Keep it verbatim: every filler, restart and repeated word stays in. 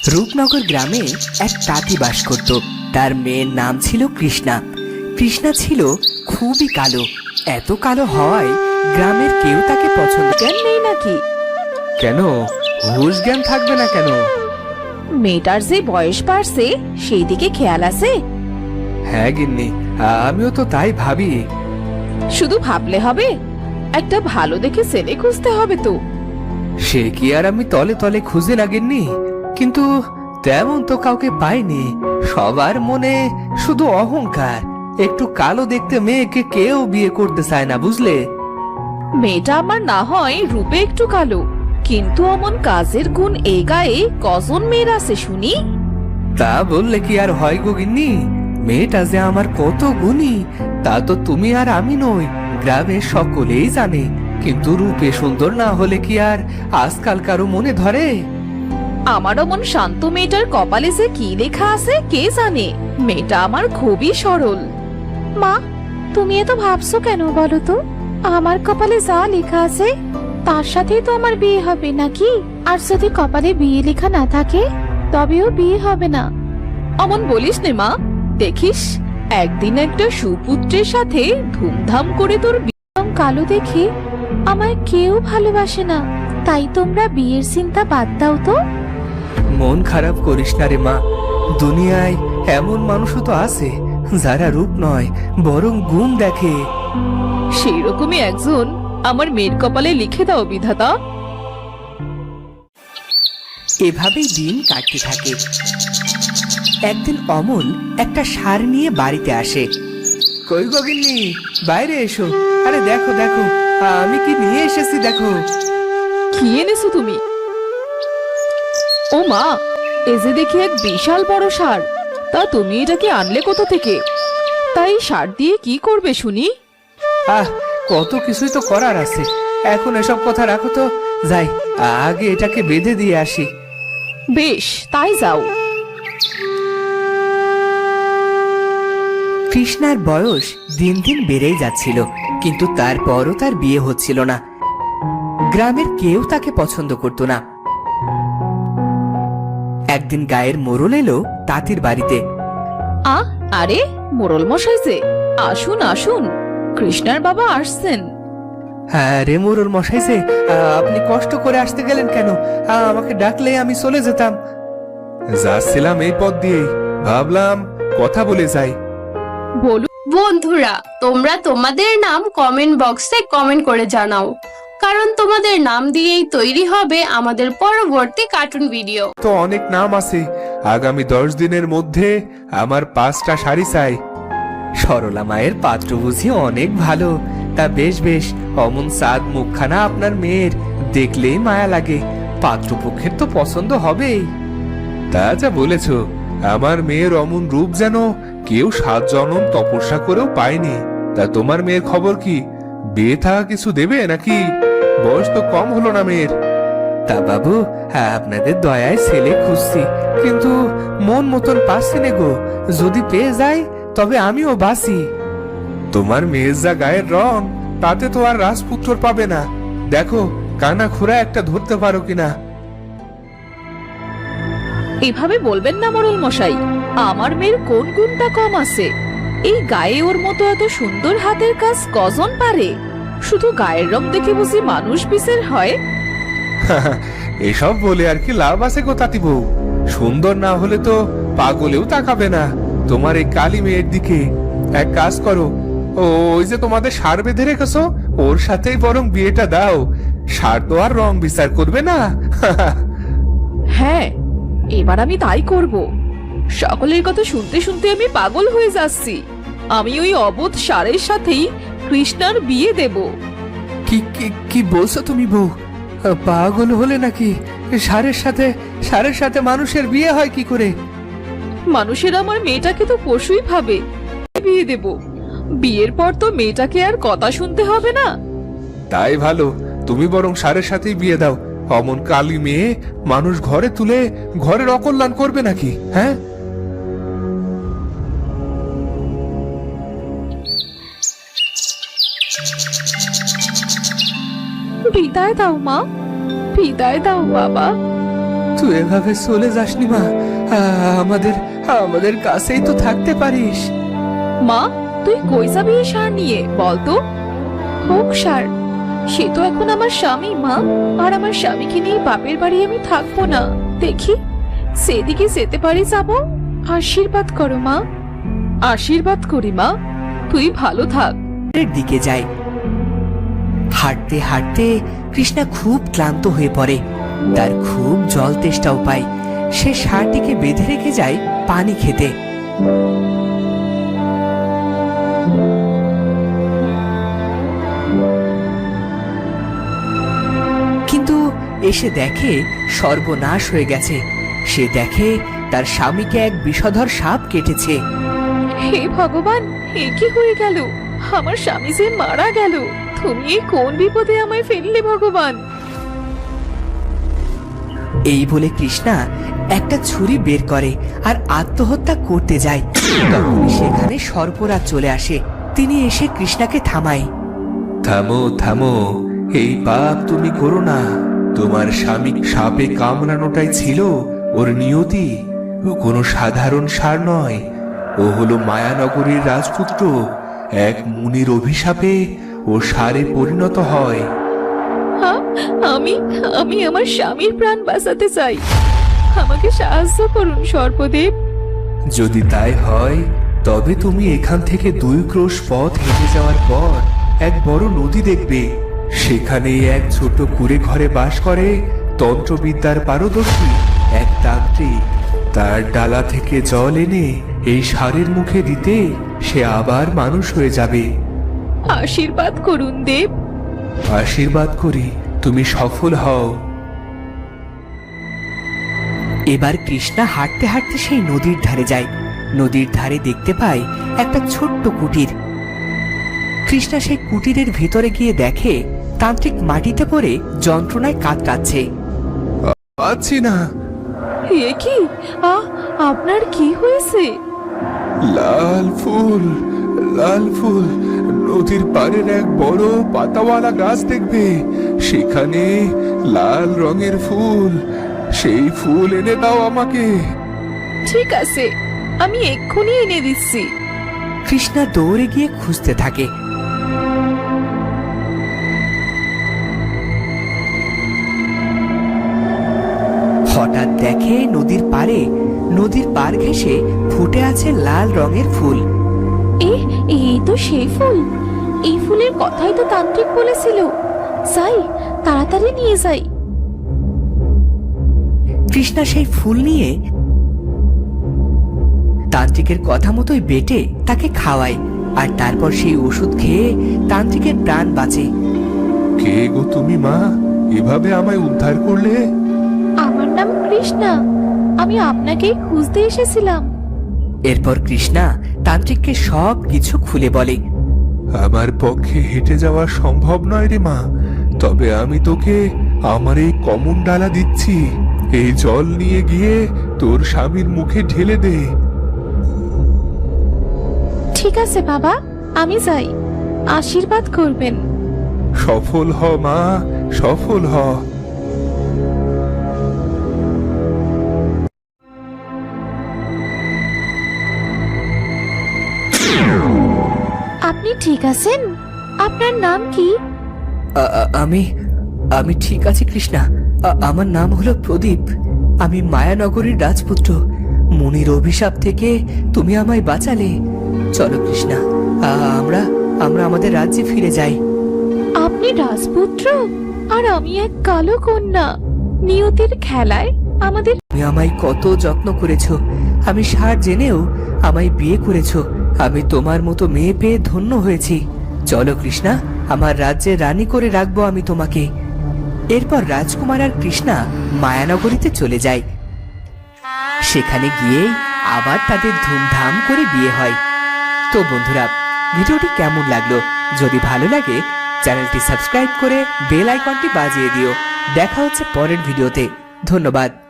রূপনগর গ্রামে এক তাঁতি বাস করত। তার মেয়ের নাম ছিল কৃষ্ণা। কৃষ্ণা ছিল খুবই কালো, এত কালো হওয়ায় গ্রামের কেউ তাকে পছন্দ জ্ঞান নেই নাকি? কেন, হুঁশ জ্ঞান থাকবে না কেন? মেয়েটার যে বয়স বাড়ছে সেই দিকে খেয়াল আছে? হ্যাঁ গিন্নি, আমিও তো তাই ভাবি। শুধু ভাবলে হবে, একটা ভালো দেখে ছেলে খুঁজতে হবে তো। সে কি আর আমি তলে তলে খুঁজে না গিন্নি, কিন্তু তেমন তো কাউকে পাইনি। সবার মনে শুধু অহংকার। একটু কালো দেখতে মেয়েকে কেউ বিয়ে করতে চায় না, বুঝলে? মেয়েটা আমার না হয় রূপে একটু কালো, কিন্তু অমন কাজের গুণ এই গায়ে কজন মেয়ের আছে শুনি? তা বললে কি আর হয় গো গিন্নি? মেয়েটা যে আমার কত গুণী তা তো তুমি আর আমি নই, গ্রামের সকলেই জানে। কিন্তু রূপে সুন্দর না হলে কি আর আজকাল কারো মনে ধরে? আমার অমন শান্ত মেয়েটার কপালে যে কি লেখা আছে কে জানে। মেয়েটা আমার খুবই সরল। মা, তুমি এত ভাবছো কেন বলো তো? আমার কপালে যা লেখা আছে তার সাথেই তো আমার বিয়ে হবে নাকি? আর যদি কপালে বিয়ে লেখা না থাকে তবেও বিয়ে হবে না। অমন বলিস নে মা, দেখিস একদিন একটা সুপুত্রের সাথে ধুমধাম করে তোর বিয়ে। কালো দেখে আমায় কেউ ভালোবাসে না, তাই তোমরা বিয়ের চিন্তা বাদ দাও তো। মন খারাপ করিস না রে মা, দুনিয়ায় এমন মানুষও তো আছে যারা রূপ নয় বরং গুণ দেখে। সেই রকমই একজন আমার মেয়ের কপালে লিখে দাও বিধাতা। এভাবেই দিন কাটতে থাকে। একদিন অমল একটা সার নিয়ে বাড়িতে আসে। কই গো গিন্নি, বাইরে এসো। আরে দেখো দেখো, আমি কি নিয়ে এসেছি দেখো। কি এনেছো তুমি? ও মা, এ যে দেখি এক বিশাল বড় সার। তা তুমি এটাকে আনলে কোথা থেকে? তাই সার দিয়ে কি করবে শুনি? আহ, কত কিছুই তো করার আছে। এখন এসব কথা রাখো তো, যাই আগে এটাকে বেঁধে দিয়ে আসি। বেশ, তাই যাও। কৃষ্ণার বয়স দিন দিন বেড়েই যাচ্ছিল, কিন্তু তারপরও তার বিয়ে হচ্ছিল না। গ্রামের কেউ তাকে পছন্দ করত না। একদিন গায়ের মোড়ল এলো তাঁতির বাড়িতে। আ আরে, মোড়ল মশাই যে, আসুন আসুন, কৃষ্ণার বাবা আসছেন। হ্যাঁ রে মোরল মশাই যে, আপনি কষ্ট করে আসতে গেলেন কেন? আমাকে ডাকলে আমি চলে যেতাম। যাচ্ছিলাম এই পথ দিয়ে, ভাবলাম কথা বলে যাই। বলুন। বন্ধুরা, তোমরা তোমাদের নাম কমেন্ট বক্সে কমেন্ট করে জানাও, কারণ তোমাদের নাম দিয়েই তৈরি হবে আমাদের পরবর্তী কার্টুন ভিডিও। তো অনেক নাম আছে, আগামী দশ দিনের মধ্যে আমার পাঁচটা শাড়ি চাই। সরলা মায়ের পাত্র বুঝি অনেক ভালো। তা বেশ বেশ, অমন সাদ মুখখানা আপনার মেয়ের, দেখলেই মায়া লাগে। পাত্রপক্ষের তো পছন্দ হবেই। তা যা বলেছ, আমার মেয়ের অমন রূপ যেন কেউ সাত জনম তপস্যা করেও পায়নি। তা তোমার মেয়ের খবর কি? বিয়ে থাকা কিছু দেবে নাকি? বয়স তো কম হলো না মেয়ের। তা বাবু, হ্যাঁ আপনাদের দয়ায় ছেলে খুঁজছি, কিন্তু মন মতন পাচ্ছি না গো। যদি পেয়ে যাই তবে আমিও বাঁচি। তোমার মেয়ের যা গায়ের রং, তাতে তো আর রাজপুত্র পাবে না। দেখো কানা খোরা একটা ধরতে পারো কিনা। এভাবে বলবেন না মোড়ল মশাই, আমার মেয়ের কোন গুণটা কম আছে? এই গায়ে ওর মতো এত সুন্দর হাতের কাজ কজন পারে? শুধু গায়ের রং দেখে বুঝি মানুষ বিচার হয়? এসব বলে আর কি লাভ আছে গো তাঁতি বউ? সুন্দর না হলে তো পাগলেও তাকাবে না তোমার এই কালী মেয়ের দিকে। এক কাজ করো, ও ওই যে তোমাদের সার বেঁধে রেখেছো, ওর সাথেই বরং বিয়েটা দাও। সার তো আর রং বিচার করবে না। হ্যাঁ, এবার আমি তাই করব। সকলের কথা শুনতে শুনতে আমি পাগল হয়ে যাচ্ছি। আমি ওই অবোধ সারের সাথেই কৃষ্ণার বিয়ে দেব। কি কি কি বলছো তুমি বউ? পাগল হলে নাকি? সারের সাথে সারের সাথে মানুষের বিয়ে হয় কি করে? মানুষের আমার মেয়েটাকে তো পশুই ভাবে। বিয়ে দেব, বিয়ের পর তো মেয়েটাকে আর কথা শুনতে হবে না। তাই ভালো, তুমি বরং সারের সাথেই বিয়ে দাও। অমন কালী মেয়ে মানুষ ঘরে তুলে ঘরের অকল্যাণ করবে নাকি? হ্যাঁ, বিদায় দাও মা, বিদায় দাও বাবা। তুই এভাবে চলে যাসনি মা, আ- আমাদের আমাদের কাছেই তো থাকতে পারিস। মা, তুই কই যাবি এই সার নিয়ে বলতো? হোক সার, সে তো এখন আমার স্বামী মা। আর আমার স্বামীকে নিয়ে বাপের বাড়ি আমি থাকবো না। দেখি সেদিকে যেতে পারি যাব। আশীর্বাদ করো মা। আশীর্বাদ করি মা, তুই ভালো থাক। এর দিকে যায়। হাঁটতে হাঁটতে কৃষ্ণা খুব ক্লান্ত হয়ে পড়ে। তার খুব জল তেষ্টাও পায়। সে ষাঁড়টিকে বেঁধে রেখে যায় পানি খেতে। কিন্তু এসে দেখে সর্বনাশ হয়ে গেছে। সে দেখে তার স্বামীকে এক বিষধর সাপ কেটেছে। হে ভগবান, এ কি হয়ে গেল? আমার স্বামী যে মারা গেল। তুমি এই কোন বিপদে আমায় ফেললে ভগবান? এই বলে কৃষ্ণা একটা ছুরি বের করে আর আত্মহত্যা করতে যায়। তখনই সেখানে সর্পরাজ চলে আসে। তিনি এসে কৃষ্ণাকে থামায়। থামো থামো, এই পাপ তুমি করো না। তোমার স্বামী সাপে কামড়ানোটাই ছিল ওর নিয়তি। ও কোনো সাধারণ ষাঁড় নয়, ও হলো মায়ানগরীর রাজপুত্র। এক মুনির অভিশাপে ও ষাঁড়ে পরিণত হয়। হ্যাঁ, আমি আমি আমার স্বামীর প্রাণ বাঁচাতে চাই। আমাকে সাহায্য করুন সর্পদেব। যদি তাই হয় তবে তুমি এখান থেকে দুই ক্রোশ পথ হেঁটে যাওয়ার পর এক বড় নদী দেখবে। সেখানে এক ছোট কুঁড়ে ঘরে বাস করে তন্ত্রবিদ্যার পারদর্শী এক তান্ত্রিক। তার ডালা থেকে জল এনে এই ষাঁড়ের মুখে দিতে সে আবার মানুষ হয়ে যাবে। আশীর্বাদ করুন দেব। আশীর্বাদ করি তুমি সফল হও। এবার কৃষ্ণা হাঁটতে হাঁটতে সেই নদীর ধারে যায়। নদীর ধারে দেখতে পায় একটা ছোট্ট কুটির। কৃষ্ণা সেই কুটিরের ভেতরে গিয়ে দেখে তান্ত্রিক মাটিতে পড়ে যন্ত্রণায় কাতরাচ্ছে। পাচ্ছি না। এ কি? আ আপনার কি হয়েছে? লাল ফুল, লাল ফুল। নদীর পাড়ের এক বড় পাতাওয়ালা গাছ দেখবে, সেখানে লাল রঙের ফুল। সেই ফুল এনে দাও আমাকে। ঠিক আছে, আমি এক্ষুনি এনে দিচ্ছি। কৃষ্ণা দৌড়ে গিয়ে খুঁজতে থাকে। হঠাৎ দেখে নদীর পাড়ে নদীর পার ঘেঁষে ফুটে আছে লাল রঙের ফুল। এ এই তো সেই ফুল। এই ফুলের কথাই তো তান্ত্রিক বলেছিল। যাই, তাড়াতাড়ি নিয়ে যাই। কৃষ্ণা সেই ফুল নিয়ে তান্ত্রিকের কথা মতোই বেটে তাকে খাওয়ায়। আর তারপর সেই ওষুধ খেয়ে তান্ত্রিকের প্রাণ বাঁচে। কে গো তুমি মা, এভাবে আমায় উদ্ধার করলে? আমার নাম কৃষ্ণা। আমি আপনাকেই খুঁজতে এসেছিলাম। এরপর কৃষ্ণা তান্ত্রিককে সব কিছু খুলে বলে। আমার পক্ষে হেঁটে যাওয়া সম্ভব নয় রে মা, তবে আমি তোকে আমার এই কমন ডালা দিচ্ছি। এই জল নিয়ে গিয়ে তোর স্বামীর মুখে ঢেলে দে। ঠিক আছে বাবা, আমি যাই। আশীর্বাদ করবেন। সফল হ মা, সফল হ। আপনি ঠিক আছেন? আপনার নাম কি? আ- আ- আমি আমি ঠিক আছি কৃষ্ণা। আ- আমার নাম হলো প্রদীপ। আমি মায়ানগরীর রাজপুত্র। মুনির অভিশাপ থেকে তুমি আমায় বাঁচালে। চলো কৃষ্ণা, আ- আমরা আমরা আমাদের রাজ্যে ফিরে যাই। আপনি রাজপুত্র আর আমি এক কালো কন্যা। নিয়তির খেলায় আমাদের। তুমি আমায় কত যত্ন করেছো। আমি সার জেনেও আমায় বিয়ে করেছো। আমি তোমার মতো মেয়ে পেয়ে ধন্য হয়েছি। চলো কৃষ্ণা, আমার রাজ্যে রানী করে রাখবো আমি তোমাকে। এরপর রাজকুমার আর কৃষ্ণা মায়ানগরীতে চলে যায়। সেখানে গিয়ে আবার তাদের ধুমধাম করে বিয়ে হয়। তো বন্ধুরা, ভিডিওটি কেমন লাগলো? যদি ভালো লাগে চ্যানেলটি সাবস্ক্রাইব করে বেল আইকনটি বাজিয়ে দিও। দেখা হচ্ছে পরের ভিডিওতে। ধন্যবাদ।